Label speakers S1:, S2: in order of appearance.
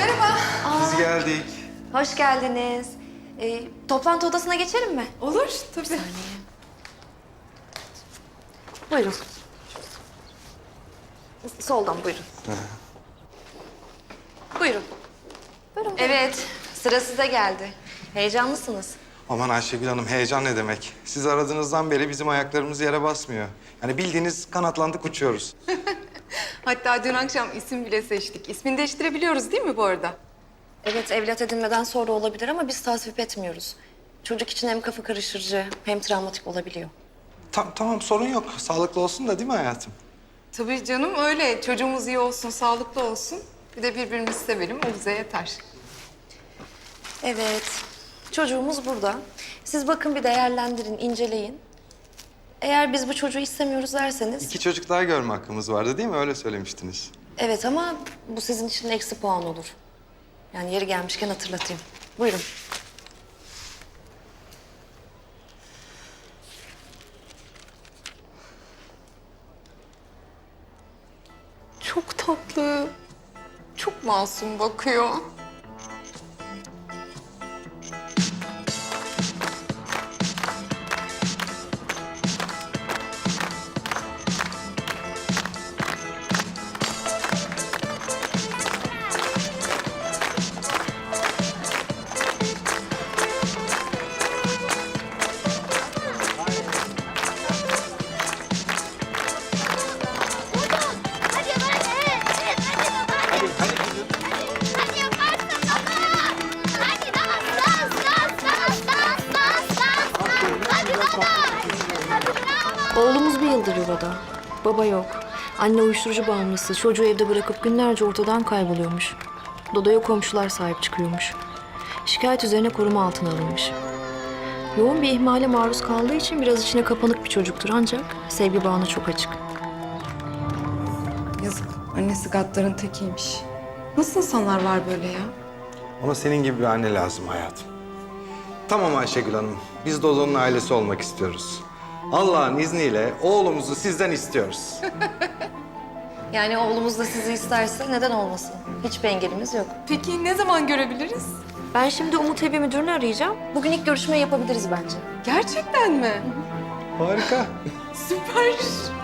S1: Merhaba.
S2: Biz geldik.
S3: Hoş geldiniz. Toplantı odasına geçelim mi?
S1: Olur tabii.
S3: Buyurun. Soldan buyurun. Buyurun. Buyurun. Evet, sıra size geldi. Heyecanlısınız.
S2: Aman Ayşegül Hanım, heyecan ne demek? Siz aradığınızdan beri bizim ayaklarımız yere basmıyor. Yani bildiğiniz kanatlandık uçuyoruz.
S1: Hatta dün akşam isim bile seçtik. İsmini değiştirebiliyoruz değil mi bu arada?
S3: Evet, evlat edinmeden sonra olabilir ama biz tasvip etmiyoruz. Çocuk için hem kafa karıştırıcı hem travmatik olabiliyor.
S2: Tamam, sorun yok. Sağlıklı olsun da değil mi hayatım?
S1: Tabii canım öyle. Çocuğumuz iyi olsun, sağlıklı olsun. Bir de birbirimizi sevelim, o bize yeter.
S3: Evet, çocuğumuz burada. Siz bakın bir değerlendirin, inceleyin. Eğer biz bu çocuğu istemiyoruz derseniz...
S2: 2 çocuk daha görme hakkımız vardı değil mi? Öyle söylemiştiniz.
S3: Evet ama bu sizin için eksi puan olur. Yani yeri gelmişken hatırlatayım. Buyurun.
S1: Çok tatlı. Çok masum bakıyor.
S4: Hadi baba. Hadi yaparsın baba. Hadi dans. Hadi baba. Hadi bravo.
S3: Oğlumuz bir yıldır yuvada. Baba yok. Anne uyuşturucu bağımlısı. Çocuğu evde bırakıp günlerce ortadan kayboluyormuş. Dodo'ya komşular sahip çıkıyormuş. Şikayet üzerine koruma altına alınmış. Yoğun bir ihmale maruz kaldığı için biraz içine kapanık bir çocuktur ancak sevgi bağına çok açık.
S1: Yazık. Annesi gaddarın tekiymiş. Nasıl insanlar var böyle ya?
S2: Ama senin gibi bir anne lazım hayatım. Tamam Ayşegül Hanım, biz Dodo'nun ailesi olmak istiyoruz. Allah'ın izniyle oğlumuzu sizden istiyoruz.
S3: Yani oğlumuz da sizi isterse neden olmasın? Hiçbir engelimiz yok.
S1: Peki ne zaman görebiliriz?
S3: Ben şimdi Umut Evi Müdürünü arayacağım. Bugün ilk görüşmeyi yapabiliriz bence.
S1: Gerçekten mi?
S2: Harika.
S1: Süper.